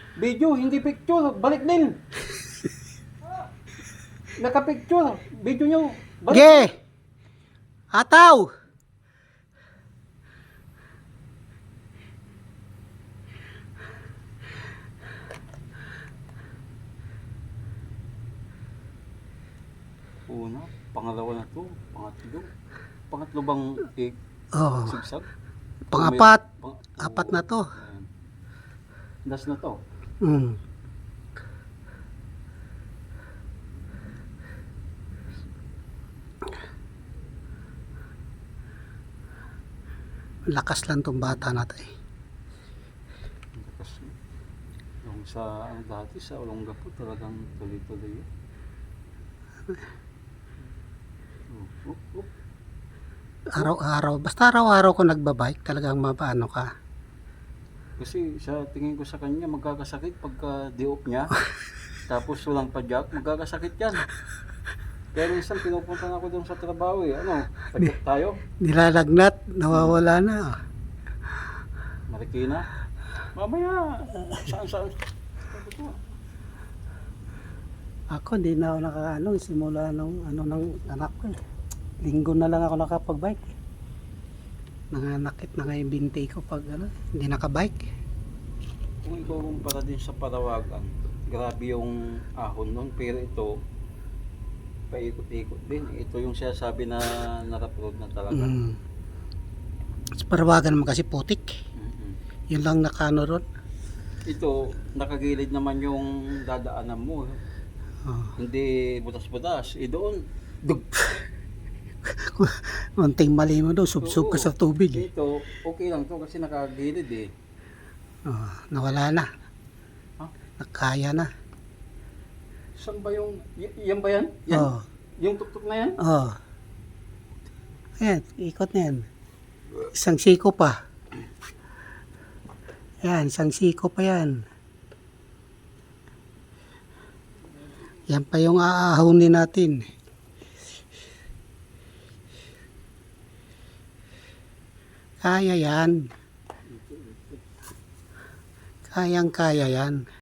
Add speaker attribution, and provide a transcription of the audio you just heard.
Speaker 1: Video, hindi picture. Balik din. Naka-picture. Video nyo. Balik.
Speaker 2: Ge! Ataw!
Speaker 1: Una, pangalawa na to. Pangatlo. Pangatlo bang
Speaker 2: Oh,
Speaker 1: sigsag?
Speaker 2: pang-apat.
Speaker 1: Pang-
Speaker 2: Apat na to.
Speaker 1: Ayan. Last na to.
Speaker 2: Mm. Lakas lang tong bata natin.
Speaker 1: Kasi yung sa ang dati sa Olongapo talagang tuloy-tuloy yun. Oh.
Speaker 2: Araw-araw, basta araw-araw ko nagbabike, talagang mapaano ka.
Speaker 1: Kasi sa tingin ko sa kanya magkakasakit pagka di-off niya. Tapos walang padyak, magkakasakit yan. Kaya minsan pinupunta na ako doon sa trabaho eh. Ano, padyak tayo?
Speaker 2: Nilalagnat, nawawala na.
Speaker 1: Marikina. Mamaya, saan?
Speaker 2: Ako, hindi na ako nakaano, simula nung ng anak ko. Linggo na lang ako nakapag-bike. Nanganakit na nga yung binti ko pag hindi nakabike.
Speaker 1: Kung ikaw kumpara din sa Parawagan, grabe yung ahon nun. Pero ito, paikot-ikot din. Ito yung sinasabi na naraproad na talaga.
Speaker 2: Sa Parawagan naman kasi putik.
Speaker 1: Mm-mm.
Speaker 2: Yun lang nakano ron.
Speaker 1: Ito, nakagilid naman yung dadaanan mo.
Speaker 2: Oh.
Speaker 1: Hindi butas-butas. Doon, dug.
Speaker 2: Munting mali mo doon, subsub ka
Speaker 1: Oo.
Speaker 2: sa tubig.
Speaker 1: Dito, okay lang to kasi nakagilid eh.
Speaker 2: Oh, nawala na.
Speaker 1: Ha?
Speaker 2: Nakaya na.
Speaker 1: Saan ba yung, yan ba yan? Yan?
Speaker 2: Oh.
Speaker 1: Yung tuktok na yan?
Speaker 2: Oh. Ayan, ikot na yan. Isang siko pa. Yan, isang siko pa yan. Yan pa yung aahunin natin. Kaya yan. Kayang-kaya yan.